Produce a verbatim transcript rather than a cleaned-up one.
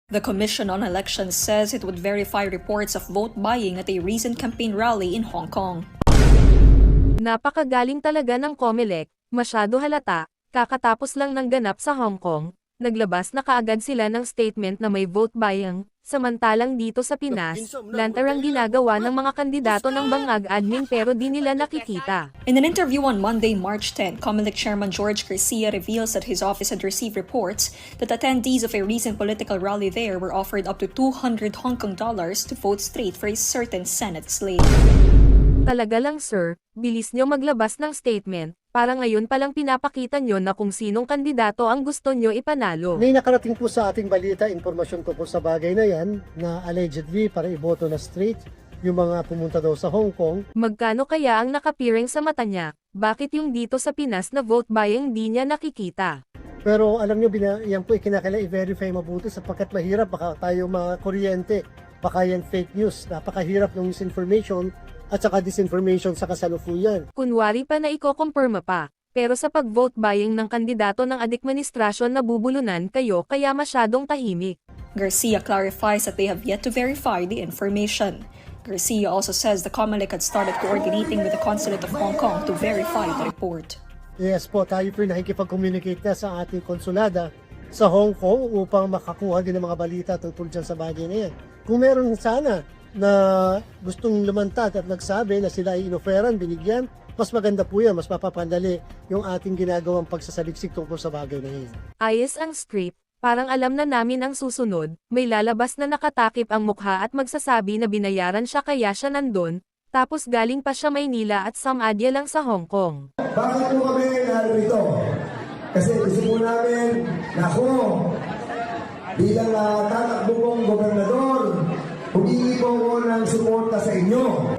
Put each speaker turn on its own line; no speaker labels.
The Commission on Elections says it would verify reports of vote buying at a recent campaign rally in Hong Kong.
Napakagaling talaga ng COMELEC, masyado halata, kakatapos lang ng ganap sa Hong Kong, naglabas na kaagad sila ng statement na may vote buying, samantalang dito sa Pinas, lantarang ginagawa ng mga kandidato ng bangag admin pero di nila nakikita.
In an interview on Monday, March tenth, COMELEC Chairman George Garcia reveals that his office had received reports that attendees of a recent political rally there were offered up to two hundred Hong Kong dollars to vote straight for a certain Senate slate.
Talaga lang sir, bilis nyo maglabas ng statement, para ngayon palang pinapakita nyo na kung sinong kandidato ang gusto nyo ipanalo.
May nakarating po sa ating balita, informasyon tungkol sa bagay na yan, na allegedly para iboto na straight yung mga pumunta daw sa Hong Kong.
Magkano kaya ang nakapiring sa mata niya? Bakit yung dito sa Pinas na vote buying di niya nakikita?
Pero alam nyo, bina, yan po ikinakailangan i-verify mabuti sapagkat mahirap, baka tayo mga kuryente, baka yan fake news, napakahirap ng misinformation at saka disinformation sa kasalukuyan.
Kunwari pa na iko-confirma pa, pero sa pag-vote buying ng kandidato ng administrasyon nabubulunan kayo kaya masyadong tahimik.
Garcia clarifies that they have yet to verify the information. Garcia also says the COMELEC had started coordinating with the Consulate of Hong Kong to verify the report.
Yes po, tayo po nakikipag-communicate na sa ating konsulada sa Hong Kong upang makakuha din ng mga balita tungkol dyan sa bagay na yan. Kung meron sana na gustong lumantad at nagsabi na sila ay inoferan, binigyan, mas maganda po yan, mas mapapandali yung ating ginagawang pagsasaliksik tungkol sa bagay na yan.
Ayos ang script, parang alam na namin ang susunod, may lalabas na nakatakip ang mukha at magsasabi na binayaran siya kaya siya nandun, tapos galing pa siya Maynila at samadya lang sa Hong Kong.
Bakit po kami narito? Kasi gusto po namin na ako bilang uh, tatakbo kong gobernador, humingi po ako ng suporta sa inyo.